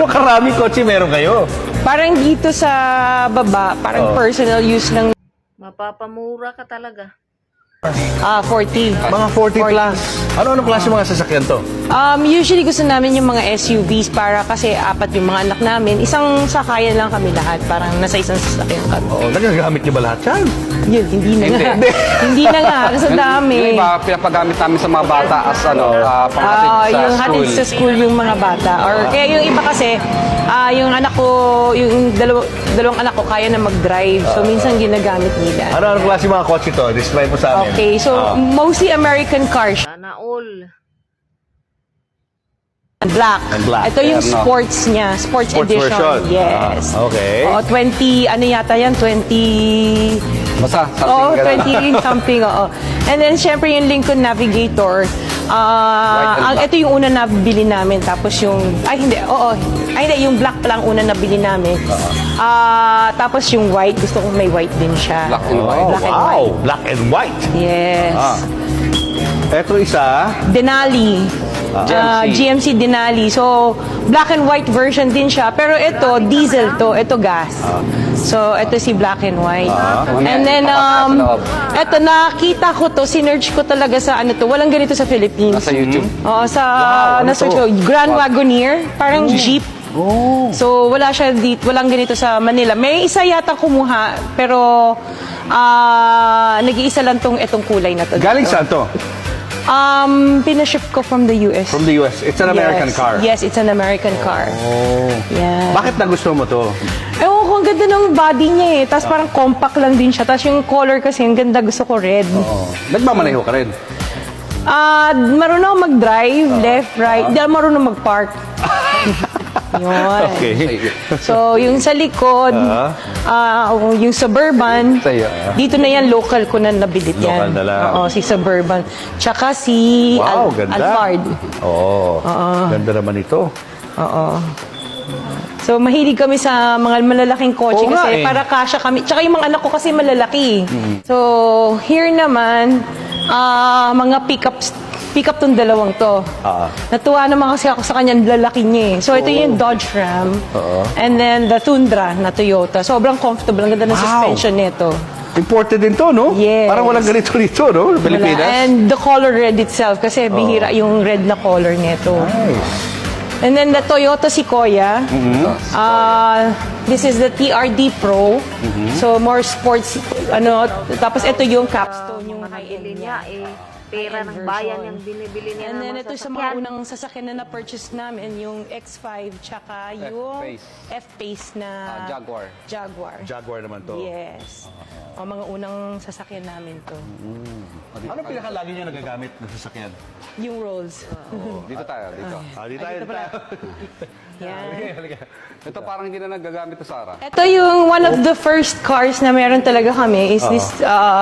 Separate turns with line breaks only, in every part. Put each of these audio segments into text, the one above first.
Gaano karaming kotse meron kayo?
Parang dito sa baba, parang personal use lang.
Mapapamura ka talaga.
40.
Mga 40 plus. Ano-anong klase mga sasakyan to?
Usually gusto namin yung mga SUVs para kasi apat yung mga anak namin. Isang sakayan lang kami lahat. Parang nasa isang sasakyan kami.
Oo, nagagamit niyo ba lahat yan?
Yun, hindi na nga. Hindi na nga, kasi dami.
Yung iba, pinapagamit namin sa mga bata as panghatid sa
Yung
school.
hatid sa school yung mga bata. Or kaya yung iba kasi, yung anak ko, yung dalawang anak ko kaya na mag-drive. So minsan ginagamit nila.
Ano-anong klase mga kotse to? Describe mo sa amin.
Okay, so mostly American cars.
Sana all.
Black.
And black.
Ito yung
Ano?
sports niya. Sports edition.
version.
Yes.
Okay.
Oo, 20, ano yata yan? 20...
Basta,
Oo,
something
20 something, oo. And then, syempre, yung Lincoln Navigator.
and black.
Ito yung una na bili namin. Tapos yung... Ay, hindi. Oo. Ay, hindi. Yung black pa lang una na bili namin. Tapos yung white. Gusto kong may white din siya.
Black and white.
Black and
wow,
white.
black and white.
Yes.
Eto isa.
Denali. GMC Denali. So, black and white version din siya. Pero ito, diesel to. Ito gas. So, ito si black and white. And then, ito, nakita ko to, sinerge ko talaga sa ano to. Walang ganito sa Philippines.
Nasa YouTube.
Oo, sa,
ano
na-search
to?
ko, Grand Wagoneer. Parang jeep. So, wala siya dito, walang ganito sa Manila. May isa yata kumuha, pero nag-iisa lang itong kulay na to.
Galing saan to?
Pinaship ko from the US.
From the US. It's an American car.
Yes, it's an American car.
Oh.
Yeah.
Bakit nagustuhan mo to?
Ewan ko, ang ganda ng body niya eh. Tapos parang compact lang din siya. Tapos yung color kasi, ang ganda. Gusto ko red.
Nagmamaneho ka rin.
Marunong ako mag-drive, left, right. Hindi ako marunong mag-park. Yun.
Okay.
So, yung sa likod, yung Suburban,
Sa'yo.
dito na yan, local ko na nabilit yan.
Local na lang.
Oo, si Suburban. Tsaka si
Wow, ganda.
Alphard.
Oo. Ganda naman ito.
Oo. So, mahilig kami sa mga malalaking kotse
Oo nga
kasi
eh.
para kasya kami. Tsaka yung mga anak ko kasi malalaki. So, here naman, mga pick-up tong dalawang to. Natuwa naman kasi ako sa kanyang lalaki niya eh. So, ito yung Dodge Ram. And then, the Tundra na Toyota. Sobrang comfortable. Ang ganda ng
Wow.
suspension nito.
Imported din to, no?
Yes.
Parang walang ganito dito, no?
Wala.
Pilipinas.
And the color red itself kasi bihira yung red na color nito.
Nice.
And then the Toyota Sequoia. This is the TRD Pro. So more sports tapos ito yung capstone yung high-end
Bili
niya.
niya pera ng bayan yung binibili niya
And
ng
then
mga
ito sa mga unang sasakyan na na-purchase namin, yung X5 tsaka yung
F-Pace.
F-Pace na
Jaguar.
Jaguar.
Jaguar naman to.
Yes. O mga unang sasakyan namin to.
Anong pinakalagi niyo nagagamit na sasakyan?
Yung Rolls.
Dito tayo, dito.
Di tayo.
Dito pala. Yan.
Ito parang hindi na nagagamit to, Sarah.
Ito yung one of the first cars na meron talaga kami is this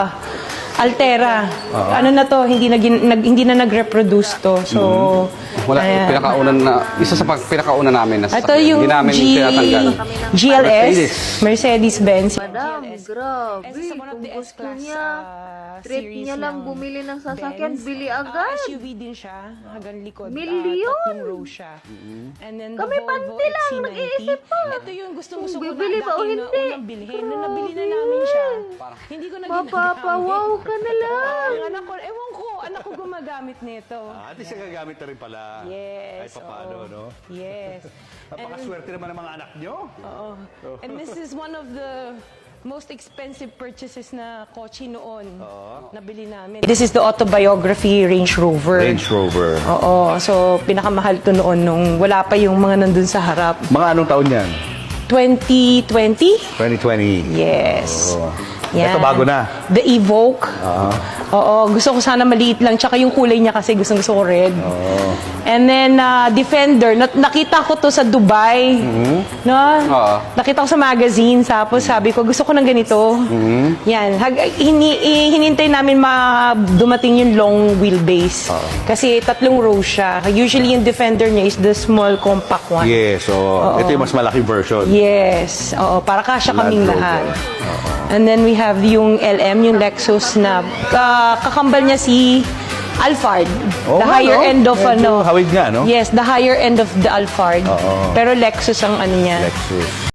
Altera. Ano na to, hindi na nag-reproduce to. So,
Wala,
ayan.
isa sa pinakauna namin na
Ito
sasakyan.
yung
Hindi namin tinatanggal.
GLS, Mercedes-Benz.
Madam, grabe.
It's one of
Kung
the
gusto
S-Class
niya, trip
series
niya lang
ng
bumili ng sasakyan,
Benz.
bili agad.
SUV din siya, hanggang likod.
Milyon!
Tatlong row siya. And then
Kami
the Volvo
panty lang,
XC90.
nag-iisip pa.
Ito yung gustong-gusto
Kung
ko
bibili ba o
dati
hindi.
unang bilhin. Nung nabili na namin siya, hindi ko na ginagamit.
Mapapawaw ka na lang.
Ang anak ko, ewan ko, anak ko gumagamit nito.
At least nagagamit na rin pala.
Yes.
Ay, paano,
oo.
no?
Yes.
Napakaswerte naman ng mga anak nyo.
Oo. And this is one of the most expensive purchases na kotse noon. Nabili namin. This is the autobiography Range Rover.
Rover.
Oo. So, pinakamahal to noon nung wala pa yung mga nandun sa harap.
Mga anong taon yan?
2020?
2020.
Yes.
Oo.
Yan.
Ito bago na.
The Evoque. Oo, gusto ko sana maliit lang. Tsaka yung kulay niya kasi gusto ko red. And then, Defender. Nakita ko to sa Dubai. No? Nakita ko sa magazine. Tapos sabi ko, gusto ko ng ganito. Yan. Hinintay namin dumating yung long wheelbase. Kasi 3 rows siya. Usually yung Defender niya is the small compact one.
Yes, so ito yung mas malaking version.
Yes. Oo, para kasya kaming
Land Rover.
lahat. And then we have yung LM, yung Lexus na kakambal niya si Alphard.
Oo
The
nga,
higher
no?
end of
Medyo hawig nga, no?
Yes, the higher end of the Alphard.
Oo.
Pero Lexus ang ano niya.
Lexus.